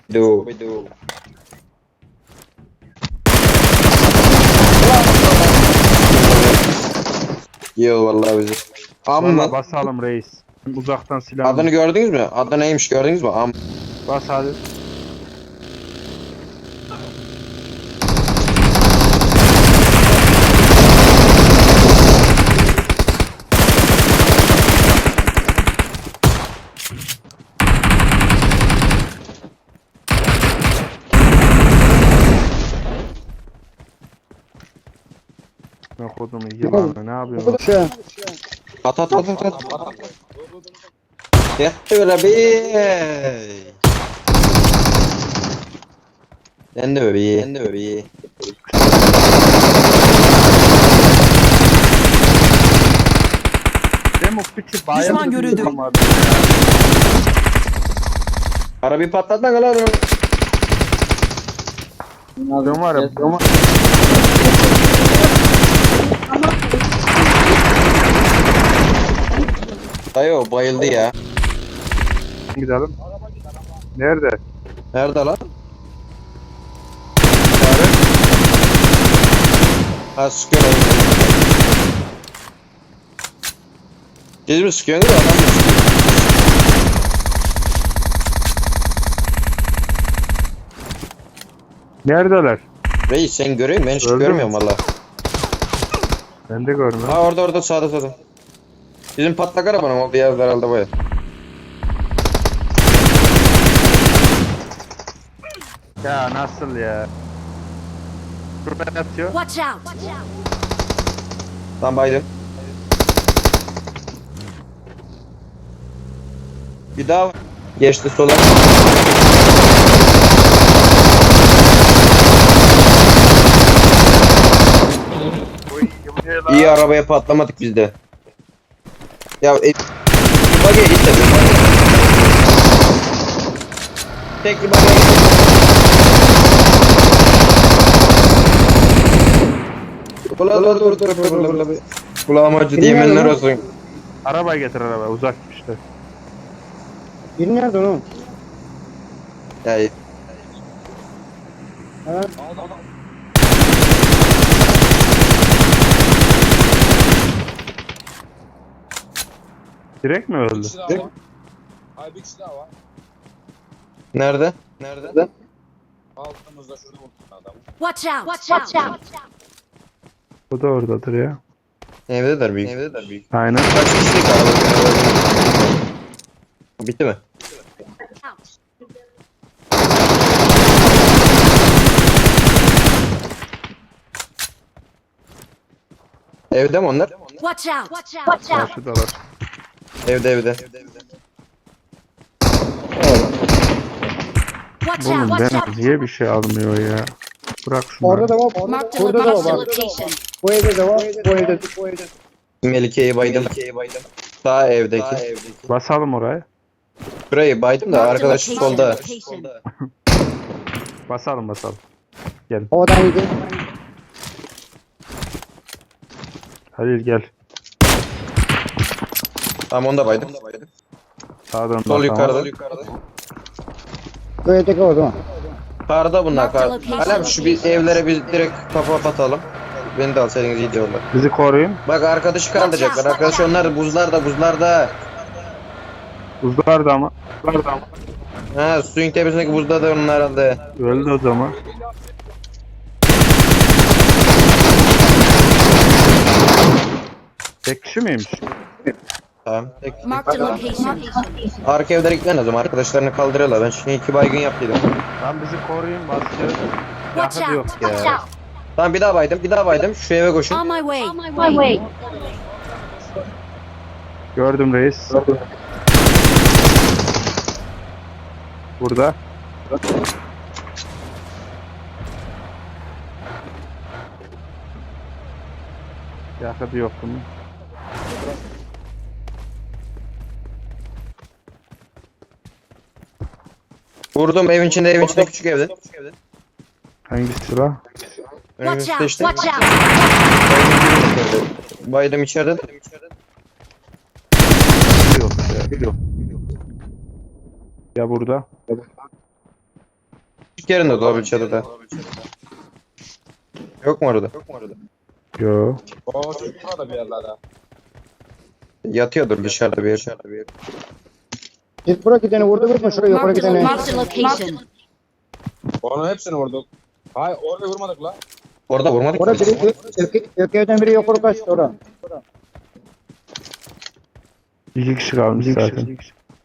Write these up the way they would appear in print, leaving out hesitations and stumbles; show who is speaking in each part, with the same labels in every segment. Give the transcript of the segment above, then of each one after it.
Speaker 1: Scooby-Doo. Yiyor vallahi bizi.
Speaker 2: Valla basalım reis. Uzaktan silah.
Speaker 1: Adını gördünüz mü? Adı neymiş gördünüz mü?
Speaker 2: Bas hadi. Ne kodum yılan ne yapıyorsun?
Speaker 1: At. Yattı böyle bir. Sen de bebeği.
Speaker 2: Demo piçi bayağı
Speaker 3: Düşman görüldü.
Speaker 1: Arabayı patlatma lan adamı.
Speaker 2: Dön var ya.
Speaker 1: Dayı o bayıldı ya.
Speaker 2: Gidelim. Nerede?
Speaker 1: Nerede lan? Ha sıkıyor lan. Siz mi sıkıyorsunuz adam mı sıkıyor?
Speaker 2: Neredeler?
Speaker 1: Reis sen görüyor musun? Ben hiç
Speaker 2: Öldü mü?
Speaker 1: görmüyorum valla.
Speaker 2: Ben de görmüyorum.
Speaker 1: Ha orada sağda. Bizim patlak arabanın olduğu yerde herhalde baya.
Speaker 2: Ya nasıl ya? Şurada yatıyor.
Speaker 3: Watch out!
Speaker 1: Lan baydım. Bir daha geçti sola. İyi arabaya patlamadık biz de. Ya bagaya git de. Tek bir bagaya git. Dur. Kulağıma acı diyemenler olsun.
Speaker 2: Arabayı getir araba uzak işte.
Speaker 4: Biri nerede oğlum?
Speaker 1: Ya
Speaker 4: Ha?
Speaker 2: Direkt mi öldü?
Speaker 5: Ay bir kişi daha var.
Speaker 1: nerede?
Speaker 5: Altımızda şurada vurdum adamı.
Speaker 3: Watch out!
Speaker 2: Bu da oradadır ya.
Speaker 1: Evdeler büyük.
Speaker 2: Aynen.
Speaker 1: Kaç kişilik araba? Bitti mi? Evde mi onlar?
Speaker 3: Watch out!
Speaker 2: Karşıdalar.
Speaker 1: Evde.
Speaker 3: Watch
Speaker 2: Oğlum
Speaker 3: out!
Speaker 2: ben niye bir şey almıyor ya? Bırak şunu.
Speaker 4: Orada da var.
Speaker 3: Marked
Speaker 4: Burada da var.
Speaker 3: location.
Speaker 4: Bu evde de var. Bu evde.
Speaker 1: Melike'yi baydım. Sağ evdeki.
Speaker 2: Basalım oraya.
Speaker 1: Burayı baydım da arkadaş solda.
Speaker 2: Basalım.
Speaker 4: Havadan yedi.
Speaker 2: Halil gel.
Speaker 1: Tamam onu da baydım.
Speaker 2: Sağdan
Speaker 1: Sol
Speaker 2: basalım.
Speaker 1: yukarıda.
Speaker 4: Bu evdeki o zaman.
Speaker 1: Karda bunlar kar.
Speaker 3: Marked location.
Speaker 1: Alem şu bir evlere biz direkt kafa patalım. Beni de alsaydınız iyi diyorlar.
Speaker 2: Bizi koruyun.
Speaker 1: Bak arkadaşı kaldıracaklar. Arkadaş onlar buzlarda.
Speaker 2: Buzlar da ama.
Speaker 1: Ha suyun tepesindeki buzda da onlar herhalde.
Speaker 2: Öldü o zaman. Tek kişi miymiş?
Speaker 1: Tamam.
Speaker 3: Marked location.
Speaker 1: Arka evlere gitmen lazım. Arkadaşlarını kaldırıyorlar. Ben şimdi 2 baygın yaptıydım.
Speaker 2: Lan bizi koruyun basacağız.
Speaker 3: Watch
Speaker 2: Yakıt
Speaker 3: out!
Speaker 2: yok ya.
Speaker 1: Tamam bir daha baydım. Şu eve koşun.
Speaker 3: On my way.
Speaker 2: Gördüm reis. Burada. Yakıt yok bunun.
Speaker 1: Vurdum evin içinde küçük evde.
Speaker 2: Hangisi la?
Speaker 3: Watch
Speaker 1: Önümüzde
Speaker 3: out!
Speaker 1: işte.
Speaker 3: Watch out!
Speaker 1: Baydım içeride.
Speaker 2: Yok ya. Ya burada.
Speaker 1: yerinde dolabın çatıda. Yok mu orada?
Speaker 2: Yo.
Speaker 5: O çocuk burada bir yerlerde.
Speaker 1: Yatıyordur dışarıda bir yer.
Speaker 4: Git buraya gideni vurma şuraya yukarı gideni.
Speaker 3: Marked a location.
Speaker 5: Onun hepsini vurduk. Hayır orada vurmadık la.
Speaker 1: Orada vurmadık.
Speaker 4: Orada biri ökeyden biri yukarı kaçtı oraya.
Speaker 2: 2 kişi kalmış zaten.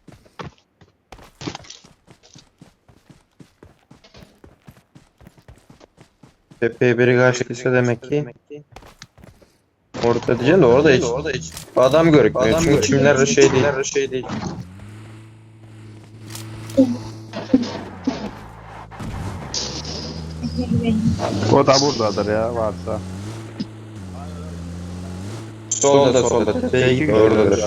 Speaker 1: Tepeye biri karşıysa demek ki. Orada diyeceğim de orada hiç adam görükmüyor. Çünkü çimler şey değil.
Speaker 2: O da buradadır ya varsa.
Speaker 1: Solda. Tepeye git oradadır.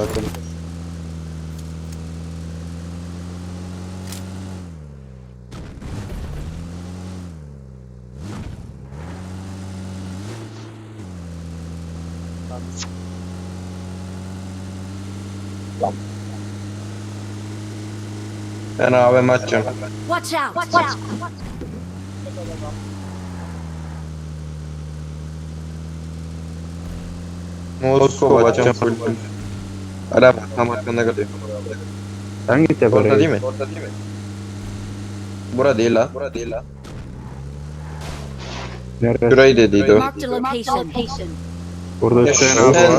Speaker 1: Ben AVM açacağım.
Speaker 3: Watch out. Watch out.
Speaker 1: Moskova açacağım. Arap tam arkanda kalıyor.
Speaker 2: Sen git ya
Speaker 1: Orada
Speaker 2: buraya.
Speaker 1: değil mi? Bura değil la.
Speaker 2: Neresi?
Speaker 1: Şurayı dediydi o.
Speaker 3: Marked a location.
Speaker 2: Burada
Speaker 1: Ya
Speaker 2: Hüseyin
Speaker 1: şu
Speaker 2: abi
Speaker 1: sen-
Speaker 2: var.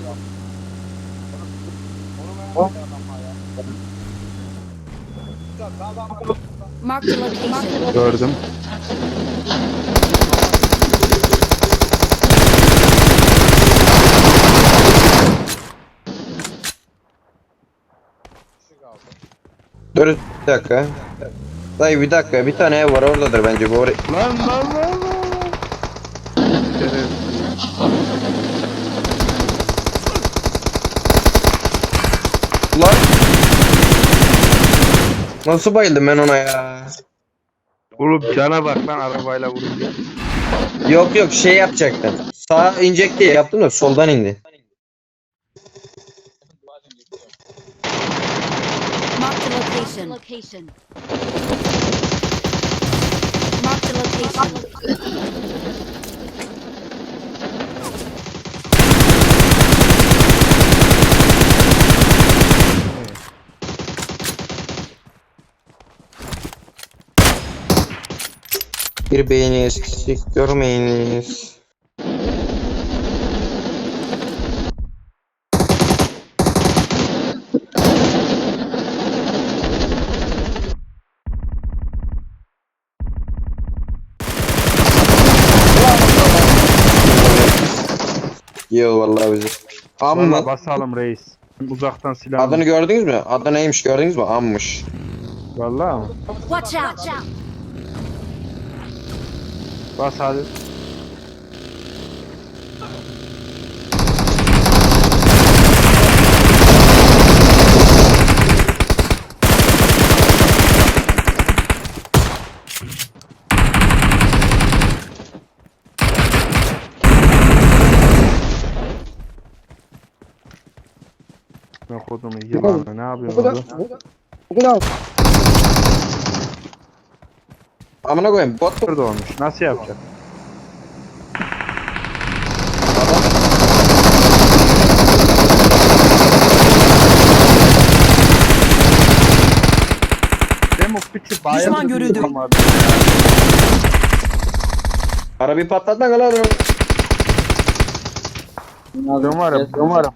Speaker 3: Marked a location.
Speaker 2: Gördüm.
Speaker 1: Dur bir dakika. Dayı bir dakika, bir tane ev var oradadır bence bu oraya.
Speaker 2: Lan.
Speaker 1: Lan! Nasıl bayıldım ben ona ya?
Speaker 2: Oğlum cana bak lan arabayla vurunca.
Speaker 1: Yok şey yapacaktım. Sağa inecek diye yaptım da soldan indi.
Speaker 3: Marked a location. Marked a location.
Speaker 1: Bir beğeni eksik görmeyiniz. Yiyor vallahi bizi.
Speaker 2: Valla
Speaker 1: Amma.
Speaker 2: basalım reis. Uzaktan silah.
Speaker 1: Adını gördünüz mü? Adı neymiş gördünüz mü? Ammış.
Speaker 2: Valla mı?
Speaker 3: Watch out.
Speaker 2: Bas hadi. Ne kodumu yılanı ne yapıyorsun orada?
Speaker 4: Bugün al.
Speaker 1: Amına koyayım bot mu?
Speaker 2: Burada olmuş. Nasıl yapacak? Dem o piçi bayağı
Speaker 6: Düşman görüldü.
Speaker 1: Arabayı patlatma lan.
Speaker 2: Umarım.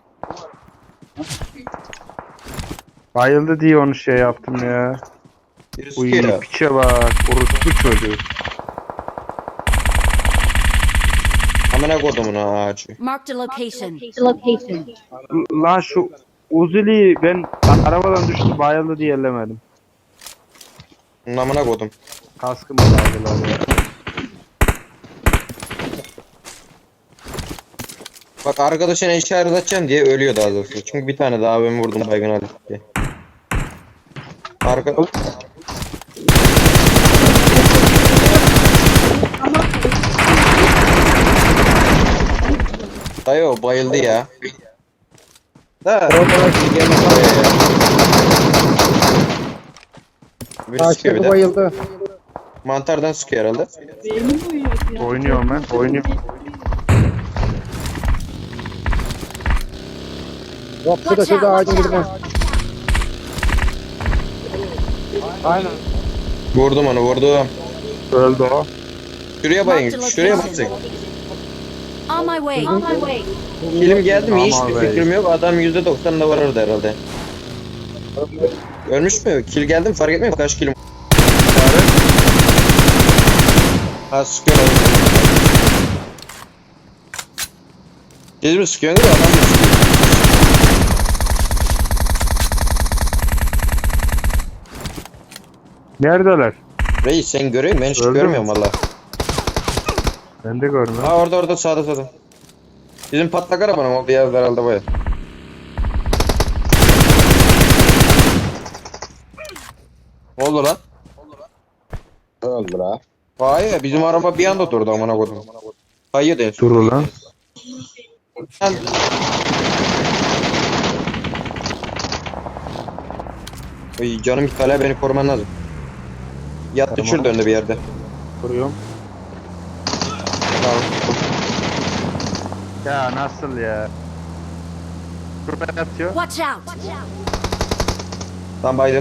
Speaker 2: Bayıldı diye onu şey yaptım ya.
Speaker 1: Birisi
Speaker 2: Uy
Speaker 1: sıkıyor.
Speaker 2: piçe bak. Orospu çocuğu.
Speaker 1: Amına kodumun ağacı.
Speaker 3: Marked a location.
Speaker 2: Lan şu Uzili'yi ben arabadan düştü bayıldı diye ellemedim.
Speaker 1: Amına kodum.
Speaker 2: Kaskımı aldılar ya.
Speaker 1: Bak arkadaşına işaret edeceğim diye ölüyor daha doğrusu. Çünkü bir tane daha ben vurdum baygın Ali diye. Arka... Dayı o bayıldı ya. Da. Birisi çıkıyor bir
Speaker 4: Karşıdaki
Speaker 1: de.
Speaker 4: bayıldı.
Speaker 1: Mantardan sıkıyor herhalde.
Speaker 2: Oynuyorum ben. Oynuyorum.
Speaker 4: Yok şurada ağacın dibine.
Speaker 2: Aynen.
Speaker 1: Vurdum onu vurdum.
Speaker 2: Öldü o.
Speaker 1: Şuraya bayın. Şuraya basın.
Speaker 3: On my way. On my way.
Speaker 1: Film geldi mi
Speaker 2: Aman
Speaker 1: hiçbir
Speaker 2: be.
Speaker 1: fikrim yok. Adam %90 da var orada herhalde. Ölmüş mü? Kill geldi mi fark etmiyor mu? Kaç kill? Ha sıkıyor. Siz mi sıkıyorsunuz adam mı sıkıyor?
Speaker 2: Neredeler?
Speaker 1: Reis sen görüyor musun? Ben hiç
Speaker 2: Öldü mü?
Speaker 1: görmüyorum valla.
Speaker 2: Ben de görmüyorum.
Speaker 1: Ha orada sağda. Bizim patlak arabanın oldu ya herhalde baya. Ne oldu lan?
Speaker 5: Öldü la.
Speaker 1: Hayır bizim araba bir anda durdu amına koydum. Hayır de.
Speaker 2: Dur ulan.
Speaker 1: Ay canım bir hala beni koruman lazım. Yattı
Speaker 2: Tamam.
Speaker 1: şurada önde bir yerde.
Speaker 2: Vuruyorum.
Speaker 1: Tamam.
Speaker 2: Ya nasıl ya? Şurada yatıyor.
Speaker 3: Watch out.
Speaker 1: Tam baydım.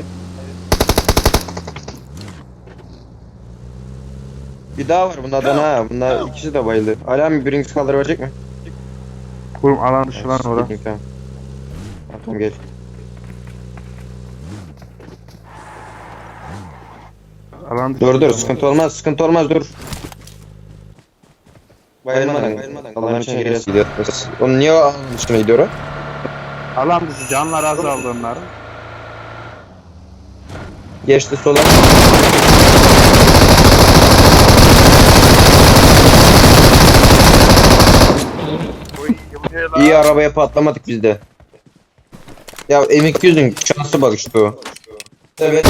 Speaker 1: Bir daha var bunlardan ha. Bunlar ikisi de bayıldı. Hala mı birincisi kaldırabilecek mi?
Speaker 2: Kurum alan dışı lan orada.
Speaker 1: Tamam. Tamam gel.
Speaker 2: Alan dışı.
Speaker 1: Dur sıkıntı olmaz dur. Bayılmadan. Allah'ın için geriye gidiyor. Onun niye o dışına gidiyor o?
Speaker 2: Alan dışı canlar azaldı onların.
Speaker 1: Geçti sola. İyi arabaya patlamadık biz de. Ya M200'ün şansı bak işte o. Evet.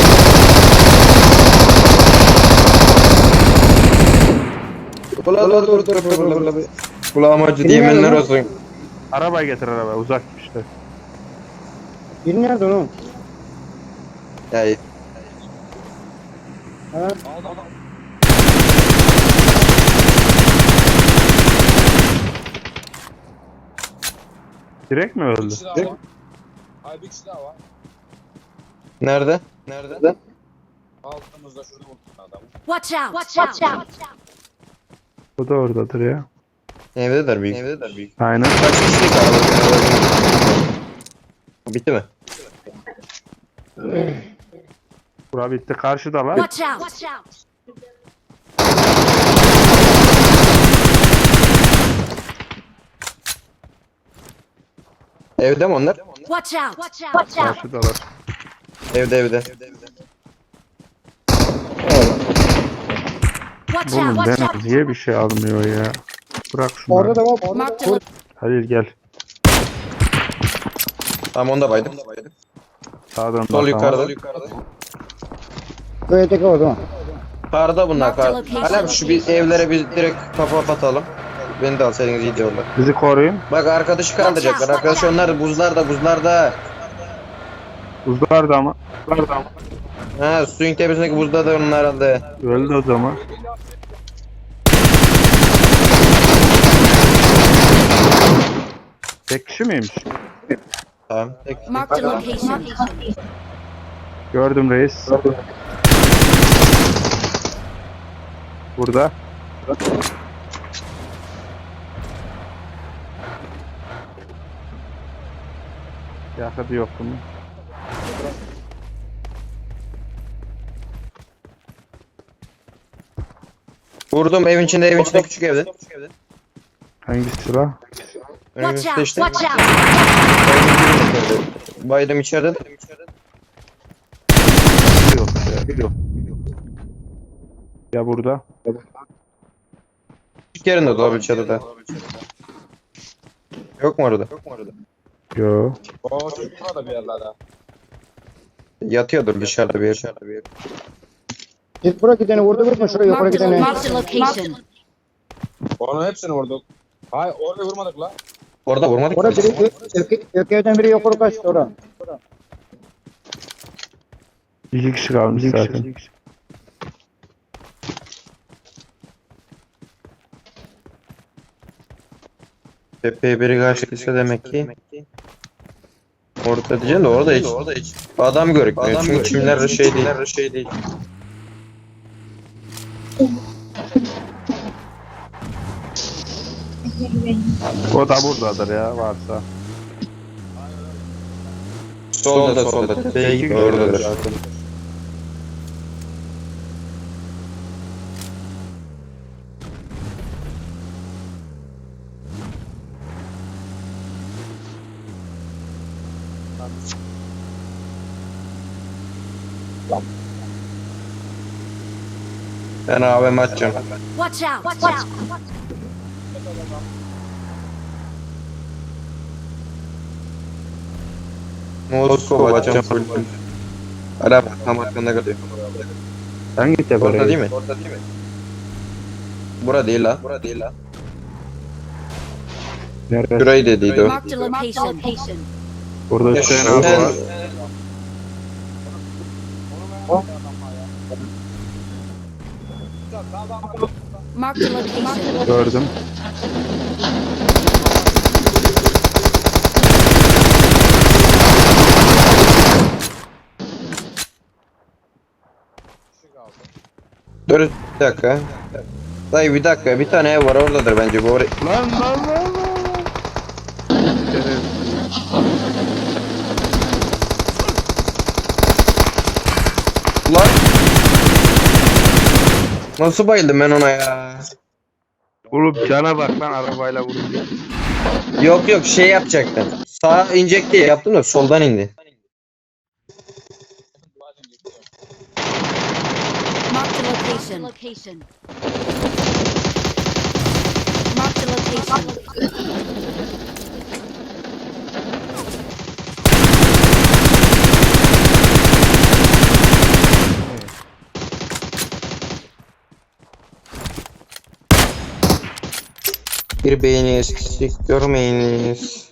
Speaker 1: Dur. Kulağıma acı diyemenler olsun.
Speaker 2: Arabayı getir araba uzak işte.
Speaker 4: Biri nerede oğlum?
Speaker 1: Ya
Speaker 4: Ha?
Speaker 2: Direkt mi
Speaker 5: Bir
Speaker 2: öldü?
Speaker 5: kişi daha var. Hayır bir kişi daha var.
Speaker 1: nerede?
Speaker 5: Altımızda şurada vurdum adamı.
Speaker 3: Watch out. Watch out.
Speaker 2: Bu da oradadır ya.
Speaker 1: Evdeler büyük.
Speaker 2: Aynen.
Speaker 1: Kaç kişilik araba? Bitti mi?
Speaker 2: Bura bitti. Karşıda var.
Speaker 3: Watch out.
Speaker 1: Evde mi onlar?
Speaker 3: Watch out.
Speaker 2: Karşıdalar.
Speaker 1: Evde.
Speaker 3: Watch
Speaker 2: Oğlum
Speaker 3: out.
Speaker 2: ben niye bir şey almıyor ya? Bırak şunu.
Speaker 4: Orada da var. Orada
Speaker 3: Mark
Speaker 4: da
Speaker 3: the
Speaker 4: var.
Speaker 2: Halil gel.
Speaker 1: Tamam onu da baydım.
Speaker 2: Sağdan
Speaker 1: Sol
Speaker 2: bakalım.
Speaker 1: yukarıda.
Speaker 4: Köydeki o zaman.
Speaker 1: Karda bunlar
Speaker 3: Mark the
Speaker 1: kar.
Speaker 3: location.
Speaker 1: Hala şu bir evlere biz direkt kafa atalım. Beni de alsaydınız iyice orada.
Speaker 2: Bizi koruyun.
Speaker 1: Bak arkadaşı kaldıracaklar. Arkadaş onlar da buzlarda.
Speaker 2: Buzlar da ama.
Speaker 1: Ha suyun tepesindeki buzda da onlar herhalde.
Speaker 2: Öldü o zaman. Tek kişi miymiş?
Speaker 1: Tamam.
Speaker 3: Mark the location.
Speaker 2: Gördüm reis. Burada. Yakıtı yok bunun.
Speaker 1: Vurdum evin içinde küçük evde.
Speaker 2: Hangisi la?
Speaker 3: Watch
Speaker 1: Önümüzde
Speaker 3: out.
Speaker 1: işte.
Speaker 3: Watch out.
Speaker 1: Baydım içeride.
Speaker 2: Yok ya. Ya burada.
Speaker 1: Küçük yerinde dolabın içeride. Yok mu orada?
Speaker 2: Yo.
Speaker 5: O çocuk burada bir yerlerde.
Speaker 1: Yatıyordur dışarıda bir yer.
Speaker 4: Git bırak gideni vurma şuraya yukarı gideni.
Speaker 3: Mark the location.
Speaker 5: Onun hepsini vurduk. Hayır orada vurmadık la.
Speaker 1: Orada vurmadık.
Speaker 4: Orada biri ökeyden biri yukarı kaçtı oraya.
Speaker 2: 2 kişi kalmış zaten.
Speaker 1: Tepeye biri kaçtıysa demek ki. Orada diyeceğim de orada hiç adam görükmüyor. Çünkü çimler şey değil.
Speaker 2: O da buradadır ya varsa.
Speaker 1: Solda. Tepeye git oradadır. Ben AVM açacağım.
Speaker 3: Watch out! Watch out!
Speaker 1: Moskova açacağım full. Araba tam arkanda kalıyor.
Speaker 2: Hangi tepe?
Speaker 1: Orada değil mi? Bura değil la.
Speaker 2: Nerede?
Speaker 1: Şurayı dediydi o.
Speaker 3: Marked a location.
Speaker 2: Burada Hüseyin abi
Speaker 1: Sen-
Speaker 2: var.
Speaker 3: Marked a location.
Speaker 2: Gördüm.
Speaker 1: Dur bir dakika. Dayı bir dakika, bir tane ev var oradadır bence bu oraya.
Speaker 2: Lan.
Speaker 1: Lan! Nasıl bayıldım ben ona ya?
Speaker 2: Oğlum cana bak lan arabayla vurunca.
Speaker 1: Yok şey yapacaktım. Sağa inecek diye yaptım da soldan indi.
Speaker 3: Marked a location. Marked a location.
Speaker 1: Bir beğeni eksik görmeyiniz.